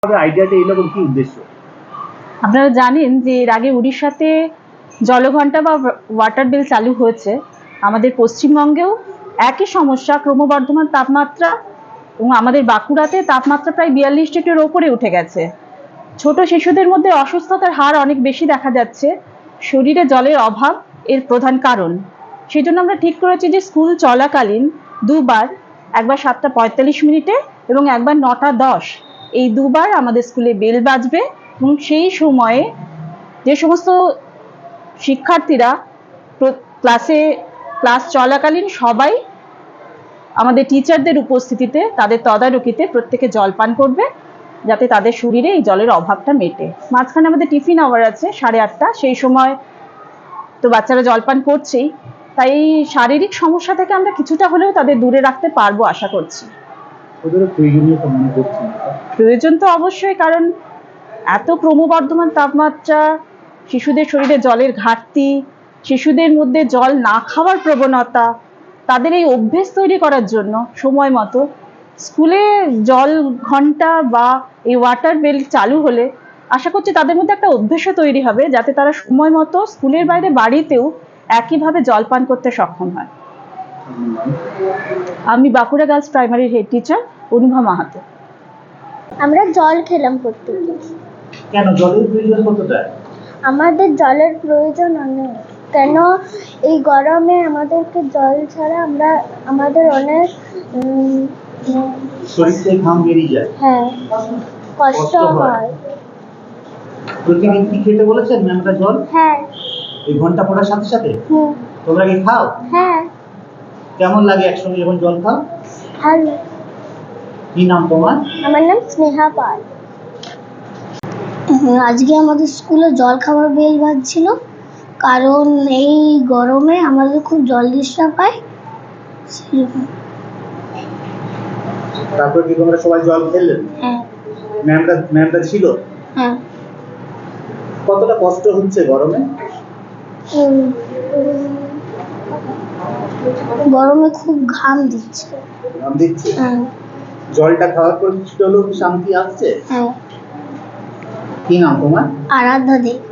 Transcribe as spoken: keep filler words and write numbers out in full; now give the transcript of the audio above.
আইডিয়াটা এরকম কি উদ্দেশ্য? আপনারা জানেন যে এর আগে উড়িষ্যাতে জলঘণ্টা বা ওয়াটার বিল চালু হয়েছে। আমাদের পশ্চিমবঙ্গেও একই সমস্যা, ক্রমবর্ধমান তাপমাত্রা, এবং আমাদের বাঁকুড়াতে তাপমাত্রা প্রায় বিয়াল্লিশ ডিগ্রির ওপরে উঠে গেছে। ছোট শিশুদের মধ্যে অসুস্থতার হার অনেক বেশি দেখা যাচ্ছে। শরীরে জলের অভাব এর প্রধান কারণ। সেই জন্য আমরা ঠিক করেছি যে স্কুল চলাকালীন দুবার, একবার সাতটা পঁয়তাল্লিশ মিনিটে এবং একবার নটা দশ, এই দুবার আমাদের স্কুলে বেল বাজবে। এবং সেই সময়ে যে সমস্ত শিক্ষার্থীরা ক্লাসে ক্লাস চলাকালীন সবাই আমাদের টিচারদের উপস্থিতিতে, তাদের তদারকিতে প্রত্যেকে জল পান করবে, যাতে তাদের শরীরে এই জলের অভাবটা মেটে। মাঝখানে আমাদের টিফিন আওয়ার আছে সাড়ে আটটা, সেই সময় তো বাচ্চারা জলপান করছেই, তাই এই শারীরিক সমস্যা থেকে আমরা কিছুটা হলেও তাদের দূরে রাখতে পারবো আশা করছি। প্রয়োজন তো অবশ্যই, কারণ এত ক্রমবর্ধমান তাপমাত্রা, শিশুদের শরীরে জলের ঘাটতি, শিশুদের মধ্যে জল না খাওয়ার প্রবণতা, তাদের এই অভ্যেস তৈরি করার জন্য সময় মতো স্কুলে জল ঘন্টা বা এই ওয়াটার বেল চালু হলে আশা করছি তাদের মধ্যে একটা অভ্যেসও তৈরি হবে, যাতে তারা সময় মতো স্কুলের বাইরে বাড়িতেও একইভাবে জল পান করতে সক্ষম হয়। আমি বাঁকুড়া গার্লস প্রাইমারির হেড টিচার অনুভা মাহাতো। আমরা জল খেলাম প্রত্যেকে। কেন জলের প্রয়োজন কতটা? আমাদের জলের প্রয়োজন অনেক, কেন এই গরমে আমাদেরকে জল ছাড়া আমরা আমাদের অনেক শরীর থেকে ঘাম বেরিয়ে যায়। হ্যাঁ, কষ্ট হয়। প্রতিদিন কি খেতে বলেছেন ম্যামটা জল? হ্যাঁ। এই ঘন্টা পড়ার সাথে সাথে হুম। তোমরা কি খাও? হ্যাঁ। কেমন লাগে একসঙ্গে যখন জল খাও? ভালো। কি নাম তোমার? আমার নাম স্নেহা পাল। আজকে আমাদের স্কুলে জল খাবার বেল বাজছিল, কারণ এই গরমে আমাদের খুব জল ডিস্টার্ব হয়। তারপর কি তোমরা সবাই জল খেলেন? হ্যাঁ। ম্যামটা ম্যামটা ছিল? হ্যাঁ। কতটা কষ্ট হচ্ছে গরমে? গরমে খুব ঘাম দিচ্ছে। ঘাম দিচ্ছে? হ্যাঁ। জলটা খাওয়ার পর কিছুটা হলেও শান্তি আসছে? হ্যাঁ। কি নাম তোমার? আরাধ্যা দেব।